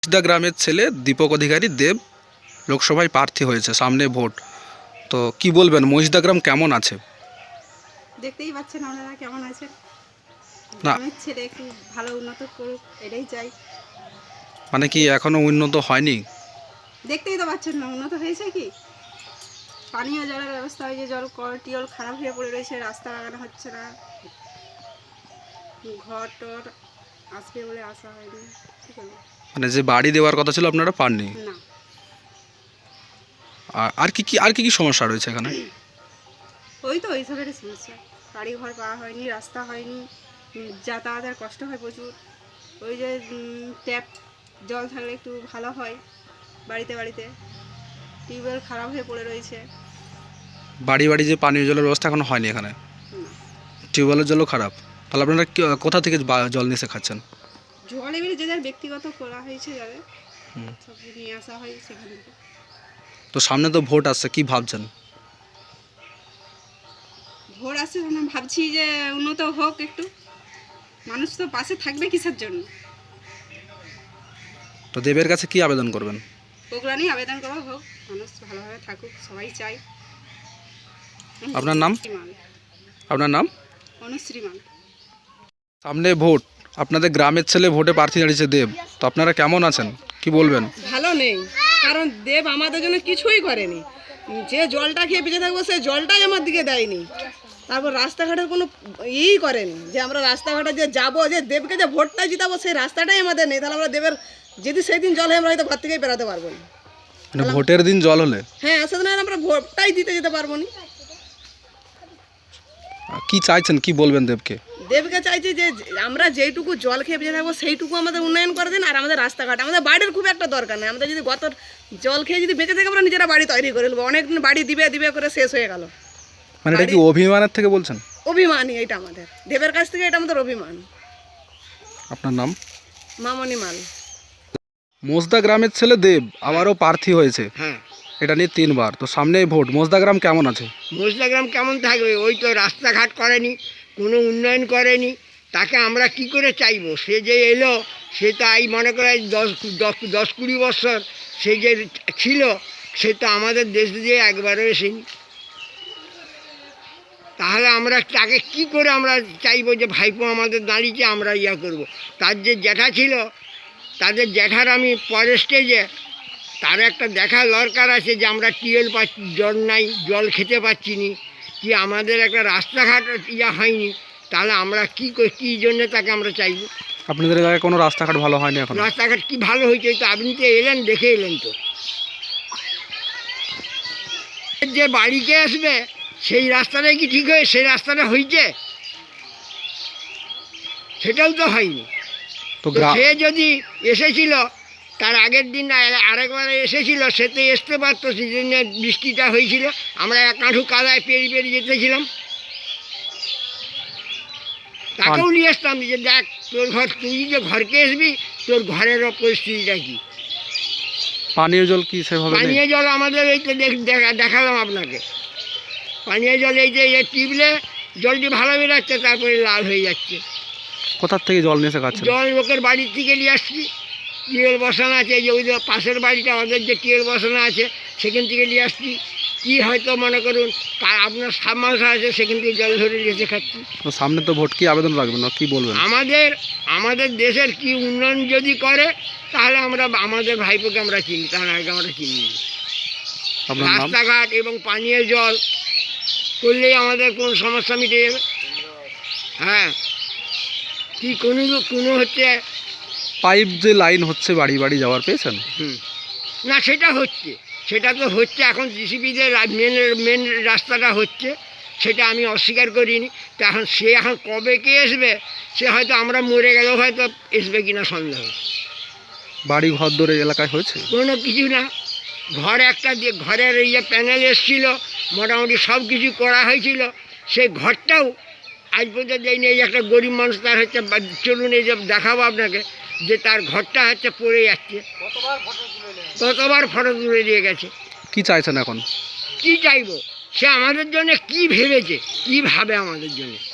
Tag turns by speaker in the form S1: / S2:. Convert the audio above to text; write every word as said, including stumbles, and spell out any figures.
S1: মহিষদা গ্রামের ছেলে দীপক অধিকারী দেব লোকসভায় প্রার্থী হয়েছে, সামনে ভোট। তো কি বলবেন, মহিষদা গ্রাম কেমন আছে?
S2: দেখতেই পাচ্ছেন আপনারা কেমন আছে।
S1: না
S2: গ্রামের ছেলে একটু ভালো উন্নত করুক, এটাই চাই।
S1: মানে কি এখনো উন্নত হয়নি?
S2: দেখতেই তো পাচ্ছেন না উন্নত হয়েছে কি। পানীয় জলের ব্যবস্থা হয়েছে, জল কল টিউল খারাপ হয়ে পড়ে রয়েছে, রাস্তা লাগানো হচ্ছে না, ঘর টর আসবে বলে আসা হয়নি। কি করবো,
S1: মানে যে বাড়ি দেওয়ার কথা ছিল আপনারা পাননি?
S2: না।
S1: আর- আর কি কি আর কি কি সমস্যা রয়েছে এখানে?
S2: ওই তো এইসবেরই সমস্যা, বাড়ি ঘর পাওয়া হয়নি, রাস্তা হয়নি, উম, যাতায়াতের কষ্ট হয় প্রচুর। ওই যে উম, ট্যাপ জল থাকলে একটু ভালো হয়, বাড়িতে বাড়িতে টিউবওয়েল খারাপ হয়ে পড়ে রয়েছে।
S1: বাড়ি বাড়ি যে পানীয় জলের ব্যবস্থা এখনো হয়নি এখানে,
S2: না,
S1: টিউবওয়েলের জলও খারাপ। তাহলে আপনারা কি- কোথা থেকে বা- জল নিয়ে এসে খাচ্ছেন?
S2: জল এবারে যে যার ব্যক্তিগত করা হয়েছে, যাদের
S1: হুম।
S2: সব নিয়ে আসা হয় সেখান থেকে।
S1: তো সামনে তো ভোট আসছে, কি ভাবছেন?
S2: ভোর আসছে মানে ভাবছি যে উন্নত হোক একটু, মানুষ তো পাশে থাকবে কিসের জন্য।
S1: তো দেবের কাছে কি আবেদন করবেন?
S2: ওগুলো নিয়ে আবেদন করা হোক, মানুষ ভালোভাবে থাকুক, সবাই চাই।
S1: আপনার নাম? আপনার নাম?
S2: অনুশ্রী মান।
S1: সামনে ভোট, আপনাদের গ্রামের ছেলে ভোটে প্রার্থী দাঁড়িয়েছে দেব, তো আপনারা কেমন আছেন, কি বলবেন?
S3: ভালো নেই, কারণ দেব আমাদের জন্য কিছুই করেনি। যে জলটা খেয়ে বেঁচে থাকবো সে জলটাই আমার দিকে দেয়নি। তারপর রাস্তাঘাটের কোনো ইই করেনি, যে আমরা রাস্তাঘাটে যে যাবো, যে দেবকে যে ভোটটা জিতাবো সেই রাস্তাটাই আমাদের নেই। তাহলে আমরা দেবের যদি সেই দিন জল হয় আমরা হয়তো ঘর থেকেই বেরোতে পারবো না।
S1: মানে ভোটের দিন জল হলে
S3: হ্যাঁ, সেদিন আর আমরা ভোটটাই দিতে যেতে পারবো না।
S1: কি চাইছেন, কি বলবেন দেবকে?
S3: দেবকে চাইছি যে আমরা যেইটুকু জল খেয়ে বেঁচে থাকবো সেইটুকু আমাদের উন্নয়ন করে দিন। আর আমাদের রাস্তাঘাট, আমাদের বাড়ির খুব একটা দরকার নেই। আমাদের যদি গত জল খেয়ে যদি বেঁচে থাকি আমরা নিজেরা বাড়ি তৈরি করে নেবো। অনেকদিন বাড়ি দিবে দিবে করে শেষ হয়ে গেল।
S1: মানে এটা কি অভিমানের থেকে বলছেন?
S3: অভিমানই এটা আমাদের, দেবের কাছ থেকে এটা আমাদের অভিমান।
S1: আপনার নাম?
S3: মামনি মাল।
S1: মহিষদা গ্রামের ছেলে দেব আবারও প্রার্থী হয়েছে,
S4: হ্যাঁ,
S1: এটা নিয়ে তিনবার। তো সামনে ভোট, মহিষদা গ্রাম কেমন আছে?
S4: মহিষদা গ্রাম কেমন থাকবে? ওই তো রাস্তাঘাট করেনি, কোনো উন্নয়ন করেনি, তাকে আমরা কি করে চাইবো? সে যে এলো, সে তো এই মনে করে দশ দশ দশ কুড়ি বছর সে যে ছিল, সে তো আমাদের দেশ দিয়ে একবারও এসেনি। তাহলে আমরা তাকে কি করে আমরা চাইবো যে ভাইপো আমাদের দাঁড়িয়েছে আমরা ইয়া করব? তার যে জ্যাঠা ছিল, তাদের জ্যাঠার আমি পরের স্টেজে, তার একটা দেখা দরকার আছে যে আমরা টিউবওয়েল পাচ্ছি, জল নাই, জল খেতে পাচ্ছি নি, কি আমাদের একটা রাস্তাঘাট ইয়া হয়নি, তাহলে আমরা কী কী জন্যে তাকে আমরা চাইব?
S1: আপনাদের এলাকায় কোনো রাস্তাঘাট ভালো হয়নি এখন?
S4: রাস্তাঘাট কি ভালো হয়েছে? তো আপনি তো এলেন, দেখে এলেন তো। যে বাড়িতে আসবে সেই রাস্তাটাই কি ঠিক হয়ে সেই রাস্তাটা হয়েছে? সেটাও তো হয়নি।
S1: তো
S4: তো
S1: গ্রাম
S4: সে যদি এসেছিল তার আগের দিন আ- আরেকবার এসেছিল, সে তো আসতে পারতো, সেই জন্য বৃষ্টিটা হয়েছিল, আমরা এক কাঁঠু কাদায় পেরিয়ে পেরিয়ে যেতেছিলাম, তাকেও নিয়ে আসতাম যে দেখ তোর ঘর, তুই যে ঘরকে আসবি তোর ঘরের পরিস্থিতিটা কী।
S1: পানীয় জল কি সেভাবে নেই?
S4: পানীয় জল আমাদের এই তো দেখ- দেখা- দেখালাম আপনাকে, পানীয় জল এই যে এই টিপলে জলটি ভালো বেরোচ্ছে, তারপরে লাল হয়ে যাচ্ছে।
S1: কোথার থেকে জল নিয়ে এসে খাচ্ছেন?
S4: জল লোকের বাড়ির থেকে নিয়ে আসছি, টিউবওয়েল বসানো আছে, এই যে ওই যে পাশের বাড়িটা ওদের যে টিউবওয়েল বসানো আছে সেখান থেকে নিয়ে আসছি। কি হয়তো মনে করুন তা আপনার সাবমার্শাল আছে, সেখান থেকে জল ধরে নিয়ে এসে খাচ্ছি।
S1: তো সামনে তো ভোট, কি আবেদন রাখবেন, কি বলবেন?
S4: আমাদের আমাদের দেশের কি উন্নয়ন যদি করে তাহলে আমরা আমাদের ভাইপোকে আমরা চিনি, তার আগে আমরা চিনি না।
S1: আপনার নাম?
S4: রাস্তাঘাট এবং পানীয় জল করলেই আমাদের কোন সমস্যা মিটে যাবে। হ্যাঁ, কি কোনো কোনো হচ্ছে
S1: পাইপ যে লাইন হচ্ছে বাড়ি বাড়ি যাওয়ার, পেয়েছেন?
S4: হুম না, সেটা হচ্ছে, সেটা তো হচ্ছে এখন জিসিপিতে মেন মেন রাস্তাটা হচ্ছে, সেটা আমি অস্বীকার করিনি। তো এখন সে এখন কবে কে আসবে, সে হয়তো আমরা মরে গেলেও হয়তো আসবে কিনা সন্দেহ।
S1: বাড়ি ঘর দরে এলাকায় হয়েছে?
S4: কোনো কিছু না, ঘর একটা দিয়ে ঘরের এই যে প্যানেল এসেছিল, মোটামুটি সব কিছু করা হয়েছিল, সেই ঘরটাও আজ পর্যন্ত দেয়নি। এই যে একটা গরিব মানুষ, তার হচ্ছে বা- চলুন এই যে দেখাবো আপনাকে, যে তার ঘরটা হচ্ছে পড়ে যাচ্ছে, কতবার ফটো তুলে দিয়ে গেছে।
S1: কি চাইছেন এখন?
S4: কি চাইবো? সে আমাদের জন্য কি ভেবেছে, কি ভাবে আমাদের জন্য?